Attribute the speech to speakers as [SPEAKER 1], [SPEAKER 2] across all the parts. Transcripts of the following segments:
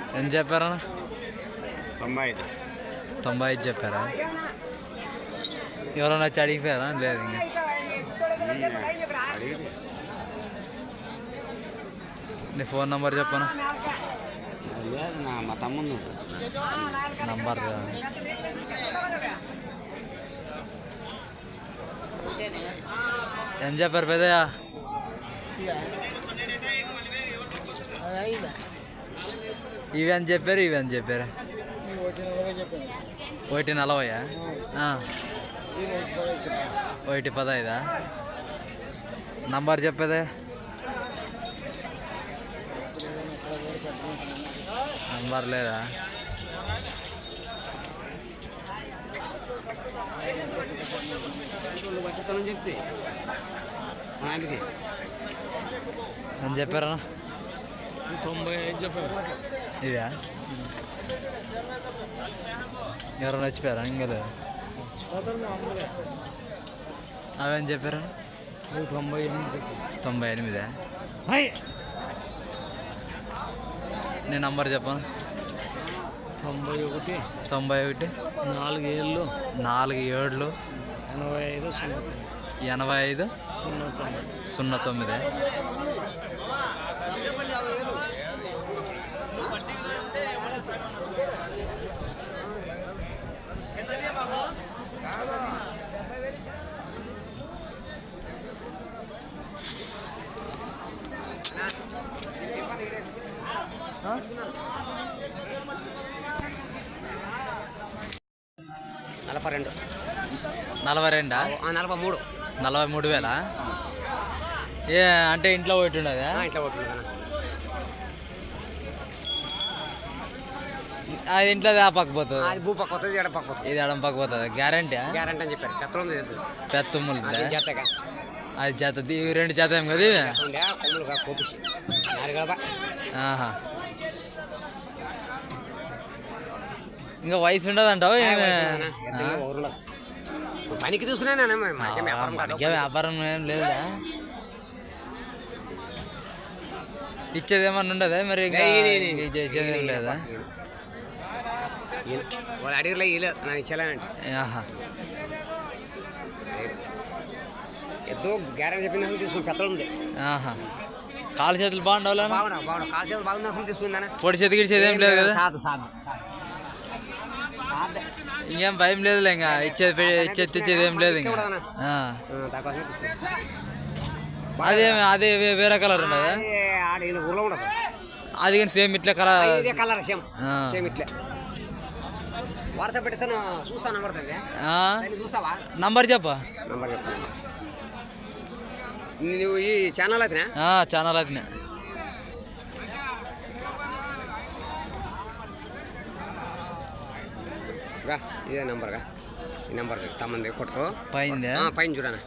[SPEAKER 1] ఎంత చెప్పారా?
[SPEAKER 2] 95.
[SPEAKER 1] 95 చెప్పారా? ఎవరైనా వచ్చి అడిగిపోయారా? లేదు ఇంకా. నీ ఫోన్ నంబర్ చెప్పనా?
[SPEAKER 2] మా తమ్ముడు
[SPEAKER 1] నంబర్ ఎంత చెప్పారు పెద్దయ్యా? ఇవి అని చెప్పారు, ఇవి అని చెప్పారు. 140. 115. నంబర్ చెప్పేదే? నంబర్ లేదా?
[SPEAKER 2] చెప్తే
[SPEAKER 1] అని చెప్పారా?
[SPEAKER 2] 95 చెప్పారు.
[SPEAKER 1] ఇవా ఎవరైనా వచ్చిపోయారా? ఇంకా లేదు. అవేం చెప్పారా? 98. నేను నంబర్ చెప్పను.
[SPEAKER 2] 91
[SPEAKER 1] 91
[SPEAKER 2] 47
[SPEAKER 1] 47 85 09.
[SPEAKER 2] $42.
[SPEAKER 1] 42?
[SPEAKER 2] 43.
[SPEAKER 1] 43,000. ఏ అంటే ఇంట్లో ఒకటి ఉండదా?
[SPEAKER 2] ఇంట్లో ఒకటి ఉండదా?
[SPEAKER 1] అది ఇంట్లో ఆ పక్క పోతుంది,
[SPEAKER 2] అది భూ పక్క పోతుంది, ఎడ పక్క పోతుంది.
[SPEAKER 1] ఇది ఎడం పక్క పోతుంది. గ్యారంటీ?
[SPEAKER 2] గ్యారంటీ అని చెప్పారు.
[SPEAKER 1] పెత్తములు
[SPEAKER 2] చేతగా
[SPEAKER 1] అది చేత. ఇవి 2 చేత ఏం కదా ఇవి? ఆహా. ఇంకా వయసు ఉండదంటావు?
[SPEAKER 2] పనికి చూసుకున్నా
[SPEAKER 1] వ్యాపారం ఏం లేదా? ఇచ్చేది ఏమన్నా ఉండదా మరి? ఇచ్చేది ఏం లేదా?
[SPEAKER 2] వాళ్ళు అడిగిలే నాకు ఇచ్చేలానండి.
[SPEAKER 1] ఆహా.
[SPEAKER 2] ఏదో గ్యారెంటీ చెప్పింది తీసుకుని పెత్తలు ఉంది.
[SPEAKER 1] ఆహా. కాలు చేతులు బాగుండవు?
[SPEAKER 2] కాలు చేతులు బాగుంది తీసుకుందా?
[SPEAKER 1] పొడి చేతి గిడిచేది ఏం లేదు కదా? ఇంకేం భయం లేదులే. ఇంకా ఇచ్చేది ఏం లేదు. ఇంకా అదే వేరే కలర్ ఉండదా? అది కానీ సేమ్ ఇట్లా
[SPEAKER 2] కలర్ సేమ్ ఇట్లా. వాట్సాప్ పెట్టేస్తాను, చూస్తా. చూస్తావా?
[SPEAKER 1] నంబర్ చెప్పా.
[SPEAKER 2] నువ్వు ఈ ఛానల్ అయితేనా?
[SPEAKER 1] ఛానల్ అయితేనే.
[SPEAKER 2] ఇదే నంబర్గా. ఈ నంబర్ తమ్మంది కొట్టుకో. పైన చూడనా?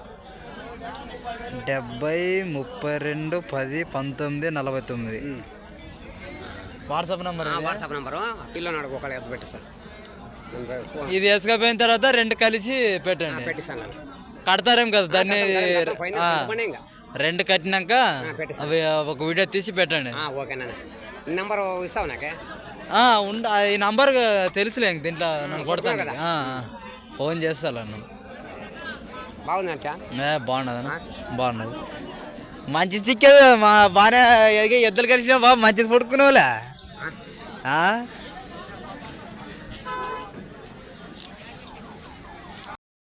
[SPEAKER 1] 70 32 10 19 49. WhatsApp number?
[SPEAKER 2] WhatsApp number. పిల్లని అడుగు, ఒకళ్ళు ఎత్తు పెట్టేస్తాను.
[SPEAKER 1] ఇది వేసుకపోయిన తర్వాత 2 కలిసి పెట్టండి.
[SPEAKER 2] పెట్టిస్తాను.
[SPEAKER 1] కడతారేం కదా దాన్ని? 2 కట్టినాక అవి ఒక వీడియో తీసి పెట్టండి.
[SPEAKER 2] ఓకేనా? నంబరు ఇస్తావు నాకే?
[SPEAKER 1] ఈ నంబర్ తెలుసులే దీంట్లో. నన్ను కొడతాను కదా, ఫోన్ చేస్తాను.
[SPEAKER 2] బాగుంది.
[SPEAKER 1] బాగున్నదన్నా? బాగున్నది. మంచి చిక్కేది. బాగానే ఎద్దులు కలిసినా బాగా మంచిది పడుకునేవాళ్ళే.